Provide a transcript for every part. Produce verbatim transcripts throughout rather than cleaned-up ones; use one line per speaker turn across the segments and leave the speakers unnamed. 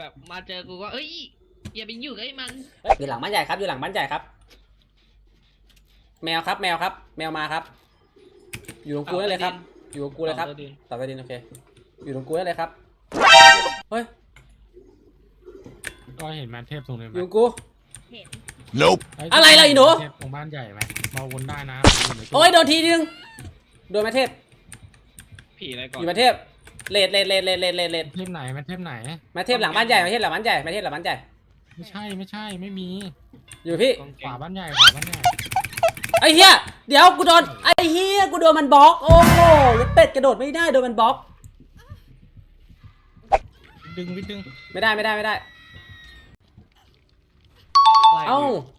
แบบมาเจอกูก็เอ้ยอย่าไปอยู่กับไอ้มัน
อยู่หลังบ้านใหญ่ครับอยู่หลังบ้านใหญ่ครับแมวครับแมวครับแมวมาครับอยู่ตรงกูได้เลยครับอยู่ตรงกูเลยครับตัดไปดินโอเคอยู่ตรงกูได้เลยครับเฮ้ย
ก็เห็นแมนเทพตรงนี้ไหม
อยู่ตรงกู
เห็น
Nope
อะไรล่ะอีหนู
เทพตรงบ้านใหญ่ไหมมาวนได้นะ
โอ้ยโดนทีนึงโดนแม่เทพ
ผีอะไรก่อน
อยู่แม่เทพเลดเลดเลดเลดเลดเลดเลด
เทพไหนแมนเทพไหน
แม่เทพหลังบ้านใหญ่แม่เทพหลังบ้านใหญ่แม่เทพหลังบ้านใหญ่
ไม่ใช่ไม่ใช่ไม่มี
อยู่พี่
ขวาบ้านใหญ่ขวาบ้านใหญ่
ไอ้เหี้ยเดี๋ยวกูโดนไอ้เหี้ยกูโดนมันบล็อกโอ้โหเป็ดกระโดดไม่ได้โดนมันบล็อก
ดึงวิดดึง
ไม่ได้ไม่ได้ไม่ได้
อะไร
เอ้า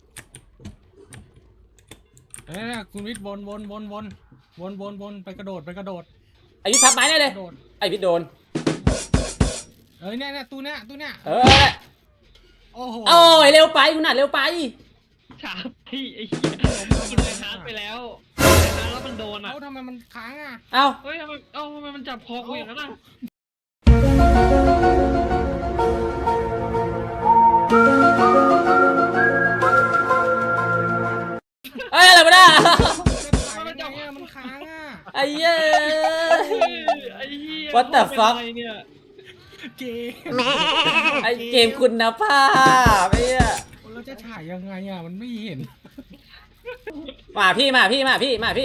เอ้ยคุณวิทย์วนวนวนวนวนวนวนไปกระโดดไปกระโดด
ไอ้วิทย์พับไม้ได้เลย
กระโดด
ไอ้วิทย์โดน
เอ้ยเนี่ยเนี่ยตู้เนี้ยตู้เนี้ย
เออ
โอ้โห
โอ้ยเร็วไปกูหนัดเร็วไป
ชาพี่ไอ้เหี้ยกินไอ้ฮาร์ดไปแล้วไอ้ฮาร์ดแล้วมันโดนอ่ะ
เอ้าทำไมมันค้างอ่ะ
เอ้า
เฮ้ยทำไมเอ้าทำไมมันจับคอกูอย่างนั้นอ่ะ
เอ้ยอะไรมาได้
มันจับเนี่ยมันค้างอ่ะ
ไอ้เหี้ย
ไอ้เหี้ย
What the fuck
เป็นอะไรเนี่ย
เกม
ไอ้เกมคุณภาพไอ้เหี้ย
เราจะถ่ายยังไงอ่ะมันไม่เห็น
มาพี่มาพี่มาพี่มาพี่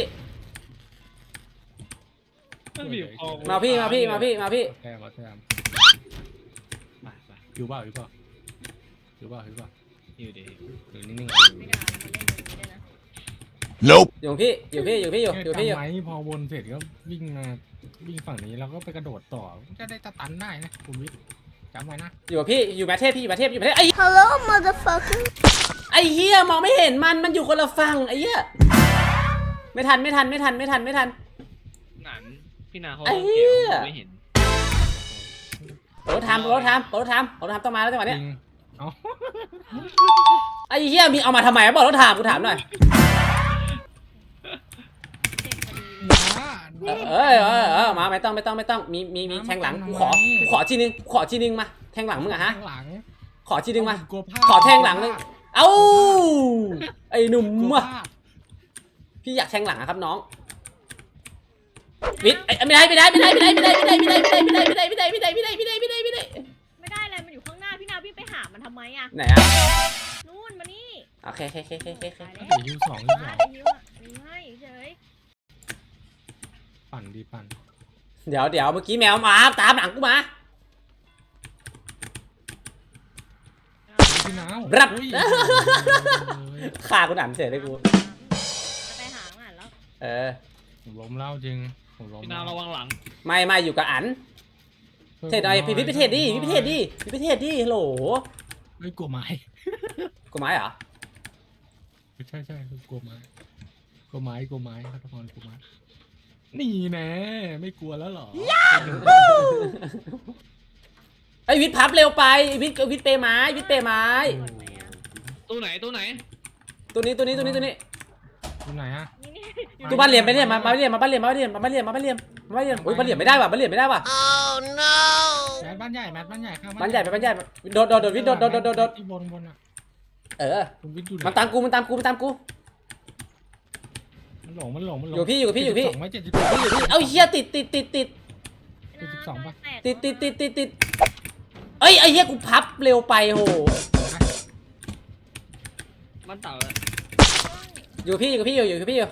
มันบีบคอกู
มาพี่มาพี่มาพี่มาพี่
แทมมาแทมไปไปอยู่เปล่าอยู่เปล่าอยู่เปล่าอยู่เปล่า
อยู่ดี
อยู่นิ่ง
ไม่ได้มาเล่นแบบนี้ด้วยนะ
Nope
อยู่พี่อยู่พี่อยู่พี่อยู่
ๆ
อยู่พี่อยู่
จำไหมพอวนเสร็จก็วิ่งมาวิ่งฝั่งนี้แล้วก็ไปกระโดดต่อจะได้ตะตันได้นะคุณวิทย์จำไว้นะ
อยู่พี่อยู่แมทเทพพี่อยู่แมทเทพอยู่แมทเทพไอ้
Hello motherfucker
ไอ้เหี้ยมองไม่เห็นมันมันอยู่คนละฝั่งไอ้เหี้ยไม่ทันไม่ทันไม่ทันไม่ทันไม่ทัน
หนันพี่นาเขา
ไอ้เหี้
เกี่
ย
ยวไม่เห็น
โรถทำโรถทำโรถทำโรถทำต้องมาแล้วจังหวะ
จ
เนี้ย
ริงเอา
ไอ้เหี้ยมีเอามาทำไมบอกรถทำกูถามหน่อย
เจ็บพอดี
นะ
เออเออเออมาไม่ต้องไม่ต้องไม่ต้องมีมีมีแทงหลังกูขอกูขอทีนึงกูขอทีนึงมาแทงหลังมึงอะฮะ
ข้างหลัง
ขอทีนึงมา
กลัวพลาด
ขอแทงหลังนึงเอ้าไอ้หนุ่ม
กลัว
อะ
พลาด
พี่อยากแทงหลังอะครับน้องวิทย์ไม่ได้ไม่ได้ไม่ได้ไม่ได้ไม่ได้ไม่ได้ไม่ได้ไม่ได้ไม่ได้ไม่ได้ไม่ได้ไม่ได้ไม่ได้ไม่ได้ไม่ได้ไม่ได้
ไม่ได้เลยมันอยู่ข้างหน้าพี่นาวิ่งไปหามันทำไมอ่ะ
ไหนอะ
นู่นมานี่
โอเคโอเคโอเคโอเคโอเค
ตายแล้ว
เดี๋ยวยูสองยูส
มา
อง
ไอ้ยิ้วอ่ะยิ้วให้เฉย
ปั่นดีปั่น
เดี๋ยวเดี๋ยวเมื่อกี้แมวมาตามหลังกูมา
พี่น้าว
รับ
อุ้ย
ฆ่ากูหนำเฉยเลยกู
จะไปหาอ่านแล้ว
เออ
ผมล้มเล่าจริงผมล้ม
พี่นาระวังหลัง
ไม่ไม่อยู่กับอันเทศอะไรพี่พี่ไปเทศดิพี่ไปเทศดิพี่ไปเทศดิฮัลโหล
ไม่กลัวไม้
กูไม้เหรอ
ไม่ใช่ใช่กลัวไม้กลัวไม้กลัวไม้ครับทุกคนกลัวไม้นี่แน่ไม่กลัวแล้วเหรอ
ไอ้วิทย์พับเร็วไปวิทย์วิทย์เปไม้วิทย์เปไม้
หมดไหมอ่ะ
ตู้ไหนตู้ไหน
ตัวนี้ตัวนี้ตัวนี้ตัวนี้
ตรงไหนอะ
นี่นี่
ตัวบ้านเหลี่ยมไปเนี่ยมามาบ้านเหลี่ยมมาบ้านเหลี่ยมมาบ้านเหลี่ยมมาบ้านเหลี่ยมมาบ้านเหลี่ยมมาบ้านเหลี่ยมโอ้ยบ้านเหลี่ยมไม่ได้ว่ะบ้านเหลี่ยมไม่ได้ว่ะ
แมทบ้านใหญ่แมทบ้านใหญ่ข้าง
บ้านใหญ่ไปบ้านใหญ่โดดโดดโดดวิทย์โดดโดดโดดโดดโดด
ที่บนบนอะ
เออ
คุณวิทย์อยู่ไห
มันตามกูมันตามกูมันตามกู
มันหลงมันหลงมันหลง
อยู่พี่อยู่พี่อยู่พี่
เจ็ดสิบสองไหม่เจ็ดสิบสอง
พี่อยู่พี่เอ้าเฮียติดติดติดติด
เจ็ดสิบสองปะ
ติดติดติดติดติดเอ้ยไอ้เฮียกูพับเร็วไปโห
มันเต่าอะ
อยู่พี่อยู่พี่อยู่อยู่พี่อยู่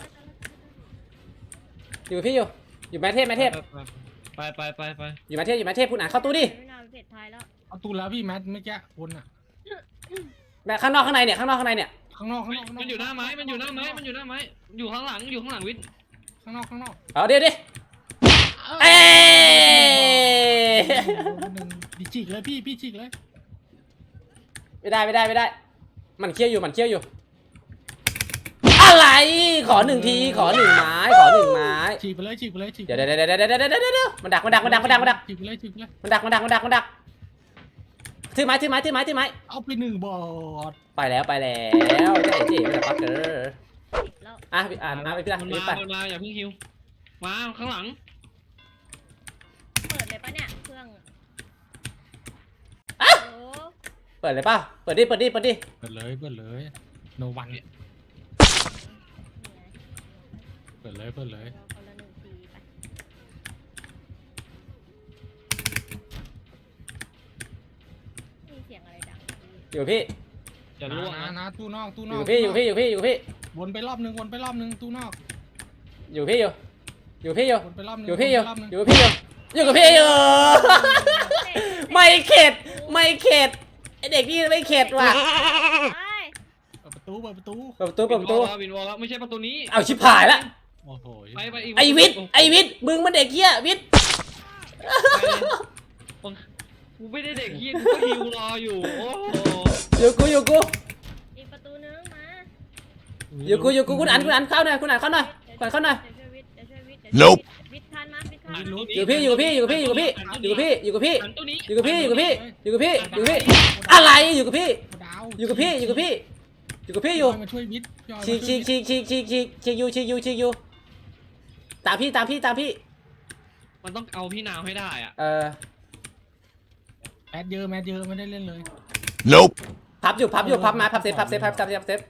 อยู่พี่อยู่อยู่แมทเทพแมทเทพ
ไปไปไปไป
อยู่แมทเทพอยู่แมทเทพคุณอ่านเข้าตู้ดิ
ไม่น่าเสร็จท้ายแล้ว
เอาตู้แล้วพี่แมทเมื่อกี้วนอะ
แมทข้างนอกข้างในเนี่ยข้างนอกข้างในเนี่ย
ข้างนอกข้างนอกข้างนอก
มันอยู่หน้าไม้มันอยู่หน้าไม้มันอยู่หน้าไม้อยู่ข้างหลังอยู่ข้างหลังวิทย์
ข้างนอกข้างนอก
เอาเดี๋ยวดิเอ้
ดิจิกเลยพี่พี่จิกเลย
ไม่ได้ไม่ได้ไม่ได้ มันเคี้ยวอยู่มันเคี้ยวอยู่อะไรขอหนึ่งทีขอหนึ่งไม้ขอหนึ่งไม้
ฉีกไปเลยฉีกไปเลยฉีก
เดี๋ยวเดี๋ยวเดี๋ยวเดี๋ยวเดี๋ยวเดี๋ยวเดี๋ยวมันดักมันดักมันดักมันดักมันดัก
ฉีกไปเลยฉีกไปเลย
มันดักมันดักมันดักมันดักถือไม้ถือไม้ถือไม้ถือไม้
เอาไปหนึ่งบอด
ไปแล้วไปแล้วเจ๊เจ๊มันจะปักเกอร์
ติดแล้ว
อ่ะพี่อ่านอ่ะไปพี่อ่ะ
มัน
พี่
มา
ไป
มันมาอย่าเพิ่งคิวมาข้างหลัง
เปิดเลยปะเนี่ยเครื่องเออ
ปิดเลยป่ะเปิดดิเปิดดิเปิดดิ
เปิดเลยเปิดเลยโนวันเปิดเลยเปิดเลย
คนละหนึ่งทีไปมีเสียงอะไรดัง
อยู่พี่
จะ
นะ
ล่วง
นะ
นะ
นะตู้นอกตู้
อน
อก
ยู่พี่อยู่พี่อยู่พี่อยู่พี่
วนไปรอบนึงวนไปรอบนึงตู้นอก
อยู่พี่อยู่อยู่พี่อยู่
วนไปรอบนึง
อยู่พี่อยู่
วนไปรอบนึง
อยู่พี่อยู่อยู่กับพี่อยู่ ไม่เข็ดไม่เข็ดไอเด็กนี่ไม่เข็ดว่ะ
ไป
เปิดประตูเปิดประตู
เปิดประตูเปิดประตู
วินวอลแล้วไม่ใช่ประตูนี้
เอาชิบหายละ
โอ้โห
ไปไปอีก
ไอวิทย์ไอวิทย์มึงมันเด็กเหี้ยวิทย์
กูไม่ได้เด็กเฮียกูก็ฮิวรออยู่โอ้โห
อยู่กูอยู่กู
อีกประตูนึงมา
อยู่กูอยู่กูคุณอันคุณอันเข้าหน่อยคุณอันเข้าหน่อยคุณอันเข้าหน่อย
เดี๋ยวช่วยวิทย์เดี๋ยวช่วยวิทย์เดี๋ยวช่วยวิทย์วิทย์ทันมาวิทย์ทันมา
อยู่พี่อยู่กับพี่อยู่กับพี่อยู่กับพี่อยู่กับพี่อยู่กับพี่
หันตัวนี้
อยู่กับพี่อยู่กับพี่อยู่กับพี่อยู่กับพี่อะไรอยู่กับพี่
ดาว
อยู่กับพี่อยู่กับพี่อยู่กับพี่อยู่
มาช่วยวิทย์พี่ออย
ฉีกฉีกฉีกฉีกฉีกฉีกฉีกอยู่ฉีกอยู่ฉีกอยู่ตามพี่ตามพี่ตามพี่
มันต้องเอาพี่นาวให้ได้อ่ะ
เออ
แมทเยอะแมทเยอะไม่ได้เล่นเลย
Nope.
พับอยู่พับอยู่พับมาพับเซฟพับเซฟพับเซฟพับเซฟ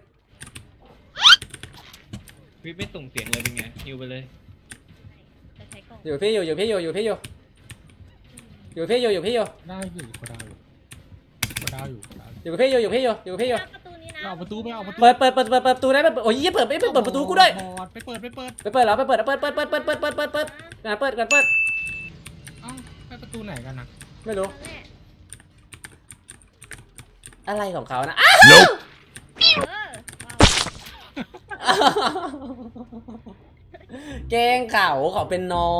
วิทไม่ส่งเสียงเลยเป็นไงฮิวไปเลย
จะใช้กล่อง
อยู่พี่อยู่อยู่พี่อยู่อยู่พี่อยู่อยู่พี่อยู่อยู่พี่อยู่
ได้อยู่ก็ดาวอยู่ก็ดาวอยู่ก็ดาวอยู่
อยู่กับพี่อยู่อยู่พี่อยู่อยู่กับพี่อยู่
ประตูนี้นะ
เอาประตูไปเอาประตู
เปิดเปิดเปิดเปิดเปิดประตูได้เปิดโอ้ยยี่เปิดไม่เปิดเปิดประตูกูด้วย
บอดไปเปิดไปเปิด
ไปเปิดเหรอไปเปิดเปิดเปิดเปิดเปิดเปิดเปิดเปิดเปิดงานเปิดกันเปิด
เอ้าไปประตูไหนกันนะ
ไม่รู้
นั่นแหละ
อะไรของเขานะ
Nope.
เออว้าว
แกงเขาเขาเป็นนอน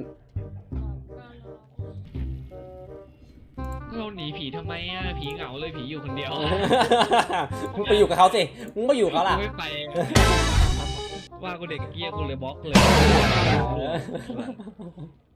เราหนีผีทำไมอ่ะผีเหงาเลยผีอยู่คนเดียว
มึงไปอยู่กับเขาสิมึงไปอยู่กับเขาล่ะ
กูไม่ไปว่ากูเด็กเกี้ยกูเลยบล็อกเลย